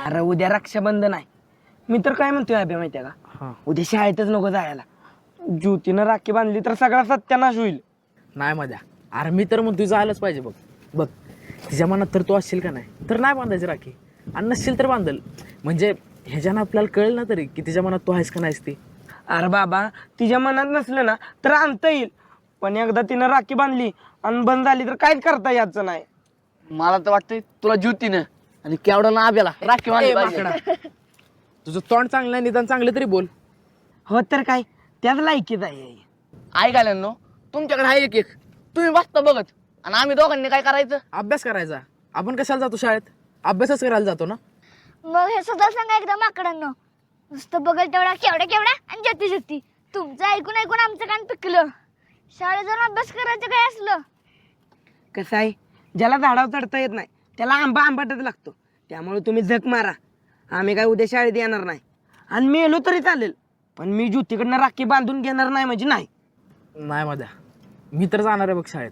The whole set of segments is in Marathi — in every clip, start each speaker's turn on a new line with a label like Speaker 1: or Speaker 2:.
Speaker 1: अरे उद्या रक्षाबंधन आहे. मी तर काय म्हणतोय अभ्या माहितीये का, उद्या शाळेतच नको जायला. ज्योतीनं राखी बांधली तर सगळा सत्यानाश होईल.
Speaker 2: नाही मजा. अरे मी तर म्हणतो जायलाच पाहिजे. बघ बघ तिच्या मनात तर तू असशील का नाही तर नाही बांधायची राखी, आणि नसशील तर बांधल. म्हणजे ह्याच्यानं आपल्याला कळेल ना तरी की तिच्या मनात तू आहेस का नाहीस ती.
Speaker 1: अरे बाबा, तिच्या मनात नसलं ना तर आणता येईल, पण एकदा तिनं राखी बांधली आणि बंद झाली तर काहीच करता यायचं नाही.
Speaker 3: मला तर वाटतंय तुला ज्योतीनं आणि केवढा ना आब्याला राखी बांधली
Speaker 2: ए,
Speaker 3: पाहिजे.
Speaker 2: माकडा. तुझं तोंड चांगलं आहे, निदान चांगलं तरी बोल.
Speaker 1: हो तर काय, त्याच लायकीच आहे.
Speaker 3: ऐकायला तुमच्याकडे आहे एक तुम्ही बसता बघत आणि आम्ही दोघांनी काय करायचं.
Speaker 2: अभ्यास करायचा. आपण कशाला जातो शाळेत? अभ्यासच करायला जातो ना.
Speaker 4: मग हे सुद्धा सांगा एकदा माकडांनो, नुसतं बघल तेवढा केवढा केवढा आणि ज्योती ज्योती. तुमचं ऐकून ऐकून आमचं कान पिकलं. शाळेत जाऊन अभ्यास करायचं काय असलं.
Speaker 1: कसं आहे, ज्याला झाडावर चढता येत नाही त्याला आंबा आंबाटच लागतो. त्यामुळे तुम्ही झक मारा. आम्ही काय उद्या शाळेत येणार नाही, आणि मेलो तरी चालेल, पण मी ज्योतीकडनं राखी बांधून घेणार नाही म्हणजे नाही.
Speaker 2: नाही मध्या, मी तर जाणार आहे बघ शाळेत.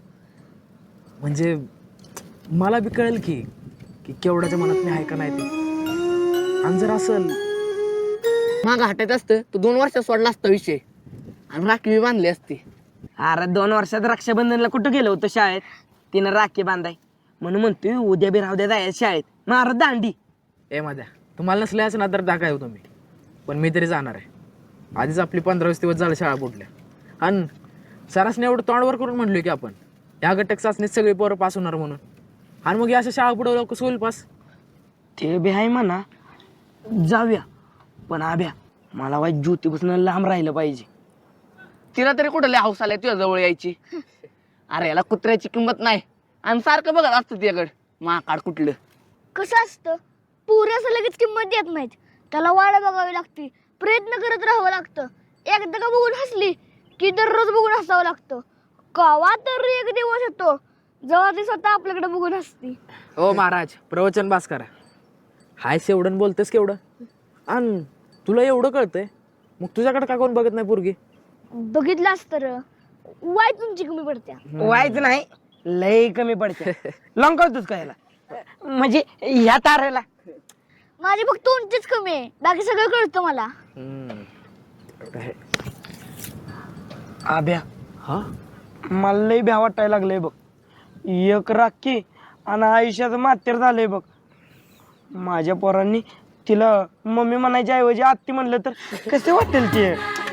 Speaker 2: म्हणजे मला बी कळेल की की केवढ्याच्या मनात मी आहे का नाही ते. आणि जर असेल
Speaker 3: मागं हटायचं असतं तर 2 वर्षात सोडला असता विषय आणि राखी बी बांधली असती.
Speaker 1: अरे 2 वर्षात रक्षाबंधनला कुठं गेलं होतं शाळेत? तिनं राखी बांधाय म्हणून म्हणतोय उद्या बी राहू द्या जायचं शाळेत. मार दांडी.
Speaker 2: ए मध्या, तुम्हाला नसल्याच ना तर दाखा येऊ तुम्ही, पण मी तरी जाणार आहे. आधीच आपली 15-20 दिवस झालं शाळा बुडल्या, आणि सरासने एवढं तोंडवर करून म्हणलोय की आपण ह्या घटक चाचणीत सगळी पोरं पास होणार म्हणून, आणि मग या अशा शाळा पुढे लोक होईल पास.
Speaker 1: ते बी आहे म्हणा, जाऊया. पण आभ्या, मला वाईट ज्योतीपासून लांब राहिलं पाहिजे.
Speaker 3: तिला तरी कुठं लय हौस आलाय तुझ्या जवळ यायची. अरे याला कुत्र्याची किंमत नाही आणि सारखं बघत असतं तिच्याकडं माकाड कुठलं.
Speaker 4: कसं असतं, पुरेसं लगेच किंमत देत नाहीत. त्याला वाट बघावी लागते, प्रयत्न करत राहावं लागतं. एकदा का बघून हसली की दररोज बघून हसावं लागतं. कवा तर एक दिवस येतो जेव्हा ती स्वतः आपल्याकडे बघून हसती.
Speaker 2: हो महाराज, प्रवचन बास करा. हाय एवढं बोलतेस केवढं, आणि तुला एवढं कळतंय, मग तुझ्याकडे का कोण बघत नाही पोरगी?
Speaker 4: बघितलास तर वाय तुमची कमी पडत्या.
Speaker 1: व्हायचं नाही, लय कमी पडते. लॉंग करतोस का याला, म्हणजे ह्या तारेला?
Speaker 4: माझी फक्त उंचीच कमी आहे, बाकी सगळं कळतं मला.
Speaker 1: आभ्या,
Speaker 2: हा,
Speaker 1: मला लय भ्या वाटायला लागलंय बघ. एक राखी आणि आयुष्याचं मातेर झालंय बघ. माझ्या पोरांनी तिला मम्मी म्हणायच्या ऐवजी आत्ती म्हणलं तर कसे वाटेल ते?